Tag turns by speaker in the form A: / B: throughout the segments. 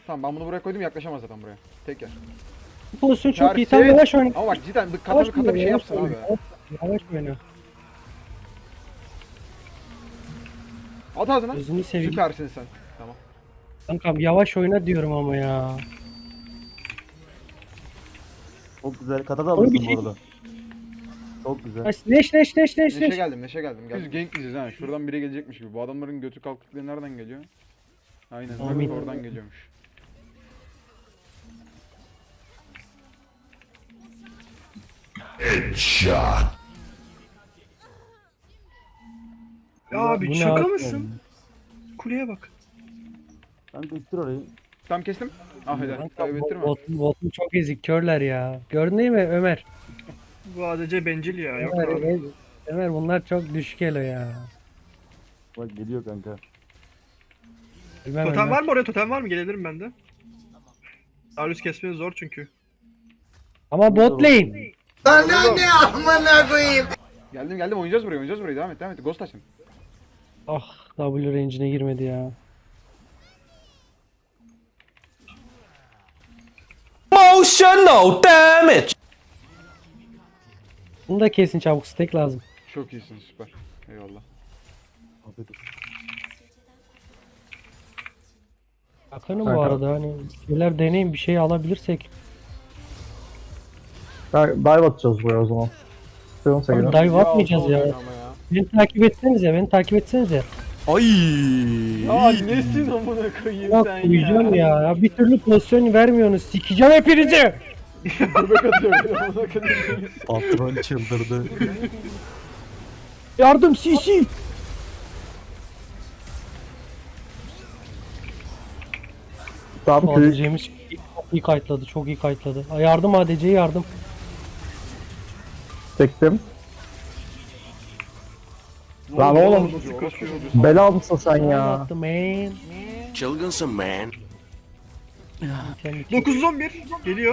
A: Tamam ben bunu buraya koydum, yaklaşamaz zaten buraya. Tek yer.
B: Bu pozisyon çok iyi.
A: Tersi.
B: Tam yavaş oyna.
A: Ama bak cidden
B: Yavaş
A: kata bir şey
B: oyna,
A: yapsın
B: yavaş
A: abi.
B: oyna. Yavaş oyna.
A: At ağzına.
B: Gözünü seveyim.
A: Süpersin sen. Tamam.
B: Kankam yavaş oyna diyorum ama ya.
C: Çok güzel. Kata da
B: Onu bir
C: alırsın
B: şey-
C: bu arada. Çok güzel.
B: Neş.
A: Neşe geldim, neşe geldim. Biz gank diyeceğiz ha. Şuradan biri gelecekmiş gibi. Bu adamların götü kalktıkları nereden geliyor? Aynen,
B: Amin.
A: oradan geliyormuş.
D: Ya abi
B: Bu ne
D: şaka
B: abi?
D: mısın? Kuleye bak.
C: Kanka ittir orayı.
A: Tam kestim. Ah helal.
B: Kanka,
A: Kaybettirme.
B: Botun çok ezik körler ya. Gördün değil mi Ömer?
D: Bu ADC bencil ya. Yok
B: Ömer,
D: abi.
B: Ömer bunlar çok düşük elo ya.
C: Bak geliyor kanka.
B: Bilmem
D: Totem
B: Ömer.
D: var mı oraya? Totem var mı? Gelebilirim ben de. Darius kesmeniz zor çünkü.
B: Ama bot lane.
A: Geldim, oynayacağız burayı. Devam et. Ghost açın.
B: Ah W range'ine girmedi ya.
E: Emotional damage.
B: Bunu da kesin çabuk, stack lazım.
A: Çok iyisin, süper. Eyvallah.
C: Afiyet olsun.
B: Bakalım bu arada hani şeyler deneyin, bir şey alabilirsek.
F: Dive atacağız buraya o zaman. Sığın
B: Abi
F: sevgilim.
B: dive atmayacağız ya.
A: Ama ya.
B: Beni takip etsenize.
E: Ay.
A: Ya nesin amına koyayım
B: Bak
A: sen
B: uyuyacağım
A: ya.
B: ya. Bir türlü pozisyon vermiyorsunuz. Sikeceğim hepinizi.
A: Göbek atıyor. Amına koyayım.
C: Patron çıldırdı.
B: Yardım CC.
F: Tamam köyü
B: ADC'miz çok iyi kayıtladı. Çok iyi kayıtladı. Yardım ADC'ye yardım.
F: çektim. Lan oğlum
A: Nasıl koşuyor?
F: bela mısın sen ya?
B: Attı man.
E: Çılgınsın man.
B: Kendi
D: 911 geliyor.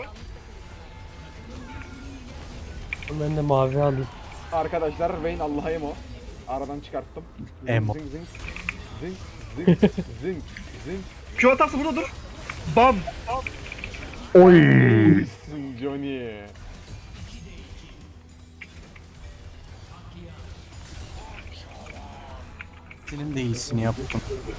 B: ben de mavi alayım.
A: Arkadaşlar Vayne Allah'a emo. Aradan çıkarttım.
C: Emo.
A: Zing zing. Zing.
D: Q atarsa burada dur. Bam.
F: Oy.
A: Zing Johnny.
E: Senin de iyisini yaptım.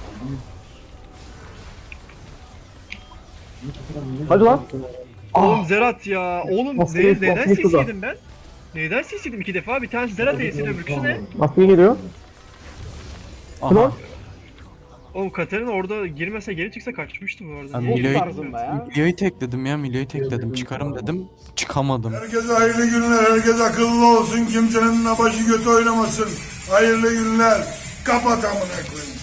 F: Hadi lan.
D: Oğlum Zerat ya. Oğlum
F: Nasıl
D: neden
F: nasıl da?
D: CC'ydim ben? Neden CC'ydim 2 defa? Bir tanesi Zerat DC'ydi, öbürküsü ne?
F: Nasıl geliyor?
E: Aha.
D: Oğlum Katarina orada girmese geri çıksa kaçmıştı bu arada.
E: Ben
D: Niye?
E: Milo'yu
A: tarzında ya.
E: Milo'yu tekledim. Çıkarım dedim. Çıkamadım.
G: Herkese hayırlı günler, herkes akıllı olsun, kimsenin başı götü oynamasın. Hayırlı günler, kapat amına koyayım.